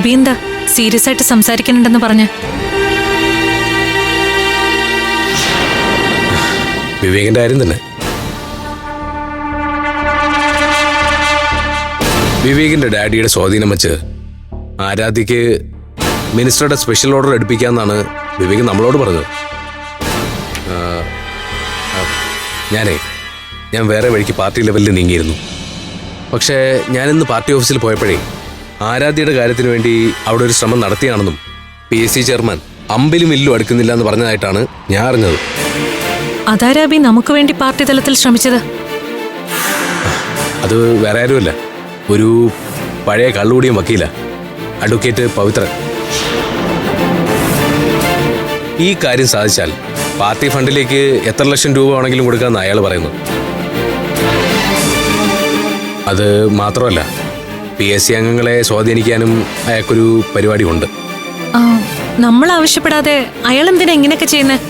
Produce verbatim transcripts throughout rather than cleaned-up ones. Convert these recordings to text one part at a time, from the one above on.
അബി എന്താ സീരിയസ് ആയിട്ട് സംസാരിക്കുന്നുണ്ടെന്ന് പറഞ്ഞ്? വിവേകിന്റെ കാര്യം തന്നെ. വിവേകിന്റെ ഡാഡിയുടെ സ്വാധീനം വെച്ച് ആരാധ്യക്ക് മിനിസ്റ്ററുടെ സ്പെഷ്യൽ ഓർഡർ എടുപ്പിക്കാമെന്നാണ് വിവേക് നമ്മളോട് പറഞ്ഞത്. ഞാനേ ഞാൻ വേറെ വഴിക്ക് പാർട്ടി ലെവലിൽ നീങ്ങിയിരുന്നു. പക്ഷേ ഞാനിന്ന് പാർട്ടി ഓഫീസിൽ പോയപ്പോഴേ ആരാധ്യയുടെ കാര്യത്തിന് വേണ്ടി അവിടെ ഒരു ശ്രമം നടത്തിയാണെന്നും പി എസ് സി ചെയർമാൻ അമ്പിലും വില്ലും അടുക്കുന്നില്ല എന്ന് പറഞ്ഞതായിട്ടാണ് ഞാൻ അറിഞ്ഞത്. അതാരാബി നമുക്ക് വേണ്ടി പാർട്ടി തലത്തിൽ ശ്രമിച്ചത്? അത് വേറെ ആരുമല്ല, ഒരു പഴയ കള്ളുകൂടിയും വക്കീല, അഡ്വക്കേറ്റ് പവിത്രൻ. ഈ കാര്യം സാധിച്ചാൽ പാർട്ടി ഫണ്ടിലേക്ക് എത്ര ലക്ഷം രൂപ വേണമെങ്കിലും കൊടുക്കാമെന്ന് അയാൾ പറയുന്നു. അത് മാത്രമല്ല, പി എസ് സി അംഗങ്ങളെ സ്വാധീനിക്കാനും അയാൾക്കൊരു പരിപാടി ഉണ്ട്. നമ്മൾ ആവശ്യപ്പെടാതെ അയാൾ എന്തിനാ ഇങ്ങനെയൊക്കെ ചെയ്യുന്നത്?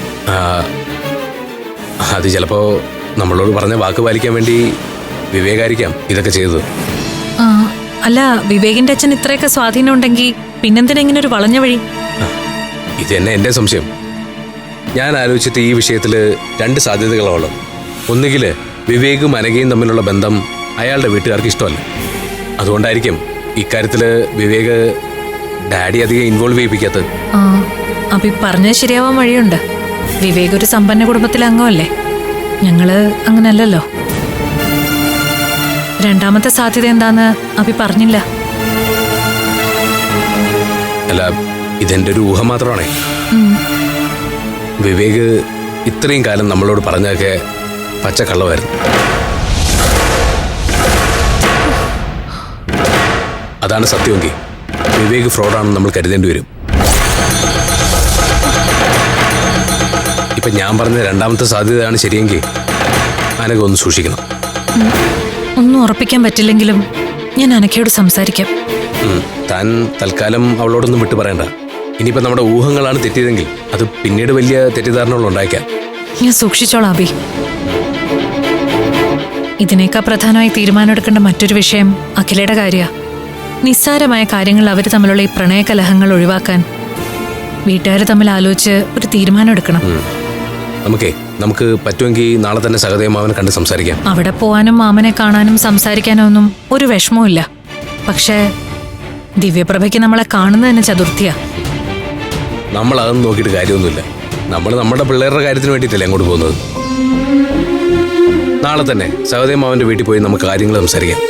അത് ചിലപ്പോ നമ്മളോട് പറഞ്ഞ വാക്ക് പാലിക്കാൻ വേണ്ടി വിവേകായിരിക്കാം ഇതൊക്കെ ചെയ്തത്. അല്ല, വിവേകിന്റെ അച്ഛൻ ഇത്രയൊക്കെ സ്വാധീനം ഉണ്ടെങ്കിൽ പിന്നെന്തിനാ ഇങ്ങനെ ഒരു വളഞ്ഞ വഴി? ഇത് തന്നെ എന്റെ സംശയം. ഞാൻ ആലോചിച്ചിട്ട് ഈ വിഷയത്തിൽ രണ്ട് സാധ്യതകളുള്ളത്. ഒന്നുകിൽ വിവേകും അനഘയും തമ്മിലുള്ള ബന്ധം അയാളുടെ വീട്ടുകാർക്ക് ഇഷ്ടമല്ല. അതുകൊണ്ടായിരിക്കും ഇക്കാര്യത്തിൽ വിവേക് ഡാഡി അധികം ഇൻവോൾവ് ചെയ്യിപ്പിക്കാത്തത്. അപ്പൊ പറഞ്ഞത് ശരിയാവാൻ വഴിയുണ്ട്. വിവേക് ഒരു സമ്പന്ന കുടുംബത്തിലെ അംഗമല്ലേ, ഞങ്ങള് അങ്ങനല്ലല്ലോ. രണ്ടാമത്തെ സാധ്യത എന്താന്ന് അഭി പറഞ്ഞില്ല. അല്ല, ഇതെന്റെ ഒരു ഊഹം മാത്രമാണേ. വിവേക് ഇത്രയും കാലം നമ്മളോട് പറഞ്ഞൊക്കെ പച്ചക്കള്ളമായിരുന്നു. അതാണ് സത്യമെങ്കിൽ വിവേക് ഫ്രോഡാണെന്ന് നമ്മൾ കരുതേണ്ടി വരും. ഇപ്പൊ ഞാൻ പറഞ്ഞ രണ്ടാമത്തെ സാധ്യതയാണ് ശരിയെങ്കിൽ അനഘ ഒന്ന് സൂക്ഷിക്കണം. ഒന്നും ഉറപ്പിക്കാൻ പറ്റില്ലെങ്കിലും ഞാൻ അനഘയോട് സംസാരിക്കാം. താൻ തൽക്കാലം അവളോടൊന്നും വിട്ടു പറയണ്ട. ഇനിയിപ്പോ നമ്മുടെ ഊഹങ്ങളാണ് തെറ്റിയതെങ്കിൽ അത് പിന്നീട് വലിയ തെറ്റിദ്ധാരണകൾ ഉണ്ടായേക്കാം. ഞാൻ സൂക്ഷിച്ചോളാം അബി. ഇതിനേക്കാൾ പ്രധാനമായി തീരുമാനമെടുക്കേണ്ട മറ്റൊരു വിഷയം അഖിലയുടെ കാര്യമാണ്. നിസ്സാരമായ കാര്യങ്ങൾ അവർ തമ്മിലുള്ള ഈ പ്രണയകലഹങ്ങൾ ഒഴിവാക്കാൻ വീട്ടുകാർ തമ്മിൽ ആലോചിച്ച് ഒരു തീരുമാനം എടുക്കണം. നമുക്കേ നമുക്ക് പറ്റുമെങ്കിൽ നാളെ തന്നെ സഹദേവമാവനെ കണ്ട് സംസാരിക്കാം. അവിടെ പോവാനും മാമനെ കാണാനും സംസാരിക്കാനോ ഒന്നും ഒരു വിഷമവും ഇല്ല. പക്ഷേ ദിവ്യപ്രഭയ്ക്ക് നമ്മളെ കാണുന്നത് തന്നെ ചതുർത്ഥിയാ. നമ്മൾ അതൊന്നും നോക്കിയിട്ട് കാര്യമൊന്നുമില്ല. നമ്മൾ നമ്മുടെ പിള്ളേരുടെ കാര്യത്തിന് വേണ്ടിയിട്ടല്ലേ അങ്ങോട്ട് പോകുന്നത്. നാളെ തന്നെ സഹദേവമാവന്റെ വീട്ടിൽ പോയി നമുക്ക് കാര്യങ്ങൾ സംസാരിക്കാം.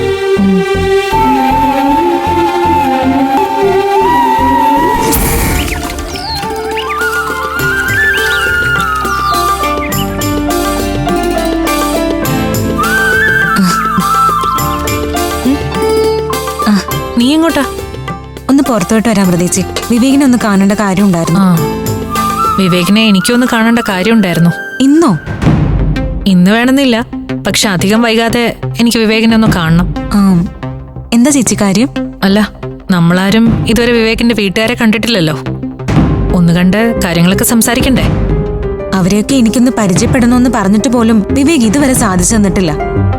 നീ എങ്ങോട്ടാ? ഒന്ന് പുറത്തോട്ട് വരാൻ പ്രതീക്ഷ. വിവേകിനെ ഒന്ന് കാണേണ്ട കാര്യം ഉണ്ടായിരുന്നു. വിവേകിനെ എനിക്കൊന്ന് കാണേണ്ട കാര്യം ഉണ്ടായിരുന്നു. ഇന്നോ? ഇന്ന് വേണമെന്നില്ല, പക്ഷെ അധികം വൈകാതെ എനിക്ക് വിവേകിനെ ഒന്ന് കാണണം. എന്താ ചേച്ചി കാര്യം? അല്ല, നമ്മളാരും ഇതുവരെ വിവേകിന്റെ വീട്ടുകാരെ കണ്ടിട്ടില്ലല്ലോ. ഒന്ന് കണ്ട് കാര്യങ്ങളൊക്കെ സംസാരിക്കണ്ടേ? അവരെയൊക്കെ എനിക്കൊന്ന് പരിചയപ്പെടണമെന്ന് പറഞ്ഞിട്ട് പോലും വിവേക് ഇതുവരെ സാധിച്ചു തന്നിട്ടില്ല.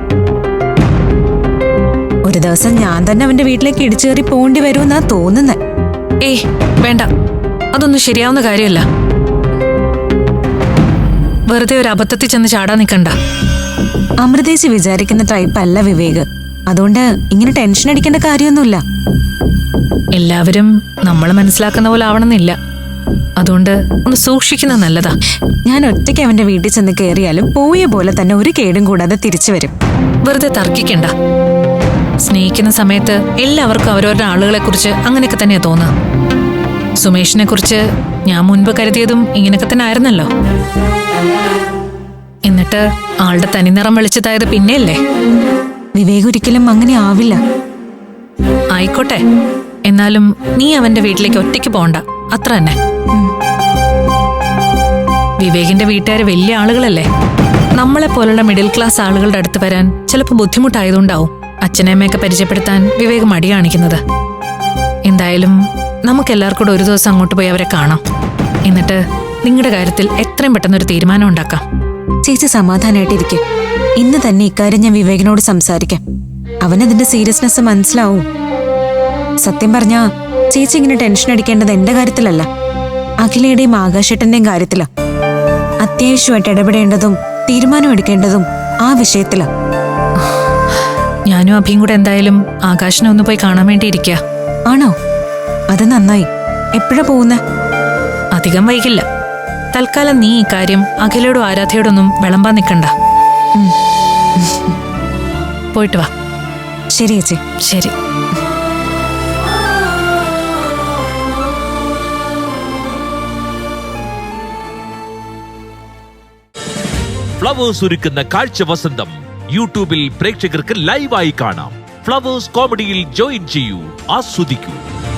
ഒരു ദിവസം ഞാൻ തന്നെ അവന്റെ വീട്ടിലേക്ക് ഇടിച്ചു കയറി പോകേണ്ടി വരുമെന്നാ തോന്നുന്നത്. ഏയ് വേണ്ട, അതൊന്നും ശരിയാവുന്ന കാര്യമല്ല. വെറുതെ ഒരു അബദ്ധത്തിൽ ചെന്ന് ചാടാൻ നിൽക്കണ്ട. അമൃതേശി വിചാരിക്കുന്ന ടൈപ്പ് അല്ല വിവേക്. അതുകൊണ്ട് ഇങ്ങനെ ടെൻഷൻ അടിക്കേണ്ട കാര്യമൊന്നുമില്ല. എല്ലാവരും നമ്മൾ മനസ്സിലാക്കുന്ന പോലെ ആവണമെന്നില്ല. അതുകൊണ്ട് ഒന്ന് സൂക്ഷിക്കുന്നത് നല്ലതാ. ഞാൻ ഒറ്റയ്ക്ക് അവന്റെ വീട്ടിൽ ചെന്ന് കയറിയാലും പോയ പോലെ തന്നെ ഒരു കേടും കൂടാതെ തിരിച്ചു വരും. വെറുതെ തർക്കിക്കണ്ട. സ്നേഹിക്കുന്ന സമയത്ത് എല്ലാവർക്കും അവരവരുടെ ആളുകളെ കുറിച്ച് അങ്ങനെയൊക്കെ തന്നെയാ തോന്നുക. സുമേഷിനെ കുറിച്ച് ഞാൻ മുൻപ് കരുതിയതും ഇങ്ങനെയൊക്കെ തന്നെ ആയിരുന്നല്ലോ. എന്നിട്ട് ആളുടെ തനിനിറം വെളിച്ചതായത് പിന്നെയല്ലേ. വിവേക് ഒരിക്കലും അങ്ങനെ ആവില്ല. ആയിക്കോട്ടെ, എന്നാലും നീ അവന്റെ വീട്ടിലേക്ക് ഒറ്റയ്ക്ക് പോണ്ട, അത്ര തന്നെ. വിവേകിന്റെ വീട്ടുകാര് വലിയ ആളുകളല്ലേ. നമ്മളെ പോലുള്ള മിഡിൽ ക്ലാസ് ആളുകളുടെ അടുത്ത് വരാൻ ചിലപ്പോൾ ബുദ്ധിമുട്ടായതുകൊണ്ടാവും അച്ഛനമ്മയൊക്കെ പരിചയപ്പെടുത്താൻ വിവേക് മടി കാണിക്കുന്നത്. എന്തായാലും നമുക്കെല്ലാവർക്കും കൂടെ ഒരു ദിവസം അങ്ങോട്ട് പോയി അവരെ കാണാം. എന്നിട്ട് നിങ്ങളുടെ കാര്യത്തിൽ എത്രയും പെട്ടെന്നൊരു തീരുമാനം ഉണ്ടാക്കാം. ചേച്ചി സമാധാനമായിട്ടിരിക്കും. ഇന്ന് തന്നെ ഇക്കാര്യം ഞാൻ വിവേകിനോട് സംസാരിക്കാം. അവനതിന്റെ സീരിയസ്നെസ് മനസ്സിലാവും. സത്യം പറഞ്ഞാ ചേച്ചി ഇങ്ങനെ ടെൻഷൻ അടിക്കേണ്ടത് എന്റെ കാര്യത്തിലല്ല, അഖിലയുടെയും ആകാശേട്ടന്റെയും കാര്യത്തിലാ. അത്യാവശ്യമായിട്ട് ഇടപെടേണ്ടതും തീരുമാനം എടുക്കേണ്ടതും ആ വിഷയത്തിലാ. ഞാനും അഭിയും കൂടെ എന്തായാലും ആകാശിനെ ഒന്ന് പോയി കാണാൻ വേണ്ടി ഇരിക്കുക. ആണോ? അത് നന്നായി. എപ്പോഴാ പോകുന്നേ? അധികം വൈകില്ല. തൽക്കാലം നീ ഈ കാര്യം അഖിലയോടും ആരാധയോടൊന്നും വിളമ്പാൻ നിൽക്കണ്ട. പോയിട്ട് വാ. ശരി ചേച്ചി. ശരി. ഫ്ലവേഴ്സ് ഒരുക്കുന്ന കാഴ്ച വസന്തം യൂട്യൂബിൽ പ്രേക്ഷകർക്ക് ലൈവായി കാണാം. ഫ്ലവേഴ്സ് കോമഡിയിൽ ജോയിൻ ചെയ്യൂ, ആസ്വദിക്കൂ.